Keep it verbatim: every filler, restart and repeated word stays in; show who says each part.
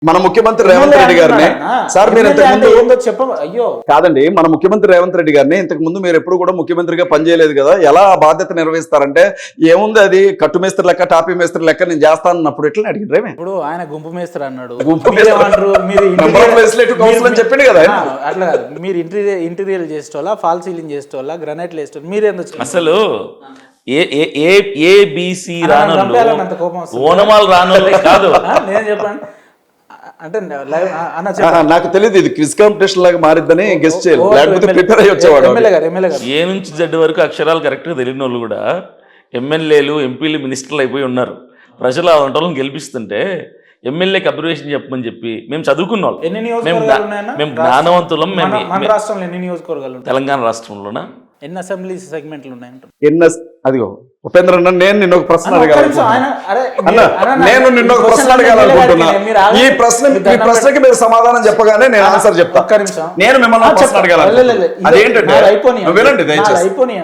Speaker 1: మన ముఖ్యమంత్రి రేవంత్ రెడ్డి గారిని సార్ మీరు ఇంతకు ముందు
Speaker 2: చెప్ప అయ్యో
Speaker 1: కాదండి మన ముఖ్యమంత్రి రేవంత్ రెడ్డి గారిని ఇంతకు ముందు మీరు ఎప్పుడు కూడా ముఖ్యమంత్రిగా పనిచేయలేదు కదా, ఎలా ఆ బాధ్యత నిర్వహిస్తారంటే ఏముంది అది కట్టు మేస్త్రి లెక్క టాపీ మేస్త్రి లెక్క నేను చేస్తానన్నప్పుడు ఎట్లా అడిగిన
Speaker 2: ఇప్పుడు ఆయన గుంపు మేస్త్రి అన్నాడు,
Speaker 1: గుంపు చెప్పింది కదా
Speaker 2: అట్లా కాదు. మీరు ఇంటీరియర్ ఇంటీరియర్ చేసేటోళ్ళ, ఫాల్ సీలింగ్ చేసేటోళ్ళ, గ్రనైట్లు వేసేటోళ్ళు మీరు ఎందుకు
Speaker 3: అసలు ఏబిసి రాను ఓనమాలు రాను కాదు
Speaker 2: నేను చెప్పండి అంటే
Speaker 1: నాకు తెలియదు ఇది క్విజ్ కాంపిటీషన్ లాగా మారిద్దని గెస్ట్ చేయాలి, లేకపోతే ప్రిపేర్ అయ్యి వచ్చేవాడు.
Speaker 3: ఏ నుంచి జెడ్ వరకు అక్షరాలు కరెక్ట్గా తెలియని వాళ్ళు కూడా ఎమ్మెల్యేలు ఎంపీలు మినిస్టర్లు అయిపోయి ఉన్నారు. ప్రజలు ఆ వంటలను గెలిపిస్తుంటే ఎమ్మెల్యేకి అబ్జర్వేషన్ చెప్పమని చెప్పి మేము చదువుకున్న వాళ్ళు,
Speaker 2: ఎన్ని
Speaker 3: మేము
Speaker 2: నియోజకవర్గాలు ఉన్నాయన్నా?
Speaker 3: మేము జ్ఞానవంతులం. మేము
Speaker 2: మన రాష్ట్రంలో ఎన్ని నియోజకవర్గాలు ఉన్నాయి?
Speaker 3: తెలంగాణ రాష్ట్రంలోనా
Speaker 2: ఎన్ని అసెంబ్లీ సెగ్మెంట్లు ఉన్నాయంట?
Speaker 1: ఎన్న అదిగో ఉపేంద్ర అన్న నేను నిన్న ఒక ప్రశ్న అడగాలనుకుంటున్నా నేను నిన్న ఒక ప్రశ్న అడగాలనుకుంటున్నా ఈ ప్రశ్న ఈ ప్రశ్నకి మీరు సమాధానం చెప్పగానే నేను ఆన్సర్ చెప్తా. నేను మిమ్మల్ని ప్రశ్న అడగాలను, అదేంటంటే వినండి దయచేసి.